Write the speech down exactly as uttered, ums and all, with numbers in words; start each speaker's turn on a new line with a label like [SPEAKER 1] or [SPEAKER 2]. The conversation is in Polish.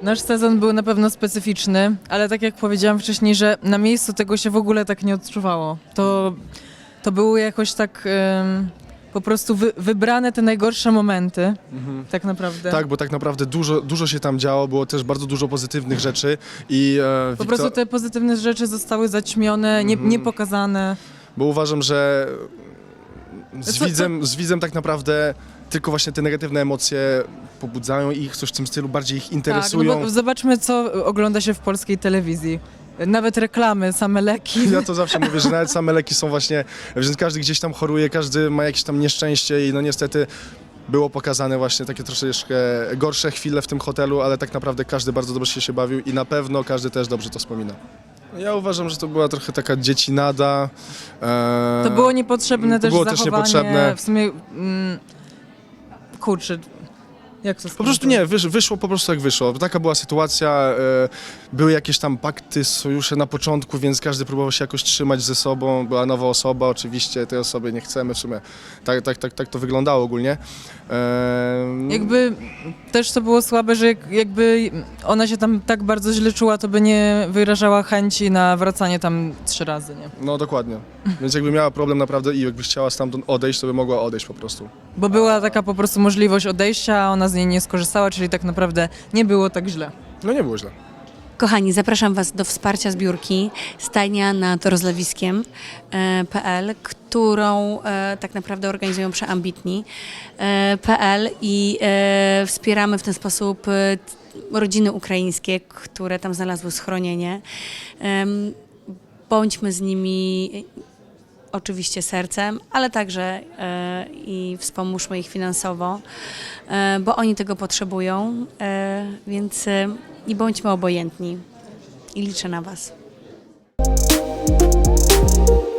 [SPEAKER 1] Nasz sezon był na pewno specyficzny, ale tak jak powiedziałam wcześniej, że na miejscu tego się w ogóle tak nie odczuwało. To, to były jakoś tak ym, po prostu wy, wybrane te najgorsze momenty,
[SPEAKER 2] Mhm.
[SPEAKER 1] tak naprawdę.
[SPEAKER 2] Tak, bo tak naprawdę dużo, dużo się tam działo, było też bardzo dużo pozytywnych rzeczy i e,
[SPEAKER 1] Po
[SPEAKER 2] Wiktor-
[SPEAKER 1] prostu te pozytywne rzeczy zostały zaćmione, nie,
[SPEAKER 2] Mhm.
[SPEAKER 1] nie pokazane.
[SPEAKER 2] bo uważam, że z
[SPEAKER 1] Co- co-
[SPEAKER 2] widzem, z widzem tak naprawdę tylko właśnie te negatywne emocje pobudzają ich, coś w tym stylu, bardziej ich interesują.
[SPEAKER 1] Tak, no bo zobaczmy, co ogląda się w polskiej telewizji. Nawet reklamy, same leki.
[SPEAKER 2] Ja to zawsze mówię, że nawet same leki są właśnie, że każdy gdzieś tam choruje, każdy ma jakieś tam nieszczęście i no niestety było pokazane właśnie takie troszeczkę gorsze chwile w tym hotelu, ale tak naprawdę każdy bardzo dobrze się bawił i na pewno każdy też dobrze to wspomina. Ja uważam, że to była trochę taka dziecinada. E,
[SPEAKER 1] To było niepotrzebne
[SPEAKER 2] to
[SPEAKER 1] też
[SPEAKER 2] było też
[SPEAKER 1] zachowanie.
[SPEAKER 2] niepotrzebne.
[SPEAKER 1] W sumie, mm, kurczę, jak to
[SPEAKER 2] Po prostu nie, wysz, wyszło po prostu jak wyszło. Taka była sytuacja, e, były jakieś tam pakty, sojusze na początku, więc każdy próbował się jakoś trzymać ze sobą. Była nowa osoba, oczywiście tej osoby nie chcemy w sumie. Tak, tak, tak, tak to wyglądało ogólnie. E,
[SPEAKER 1] Jakby też to było słabe, że jak- jakby ona się tam tak bardzo źle czuła, to by nie wyrażała chęci na wracanie tam trzy razy, nie?
[SPEAKER 2] No dokładnie. Więc jakby miała problem naprawdę i jakby chciała stamtąd odejść, to by mogła odejść po prostu.
[SPEAKER 1] Bo była taka po prostu możliwość odejścia, a ona z niej nie skorzystała, czyli tak naprawdę nie było tak źle.
[SPEAKER 2] No nie było źle.
[SPEAKER 3] Kochani, zapraszam Was do wsparcia zbiórki Stajnia nad rozlewiskiem e, P L, którą e, tak naprawdę organizują Przeambitni e, P L i e, wspieramy w ten sposób e, rodziny ukraińskie, które tam znalazły schronienie. Em, bądźmy z nimi oczywiście sercem, ale także e, i wspomóżmy ich finansowo, e, bo oni tego potrzebują, e, więc e, i bądźmy obojętni. I liczę na Was.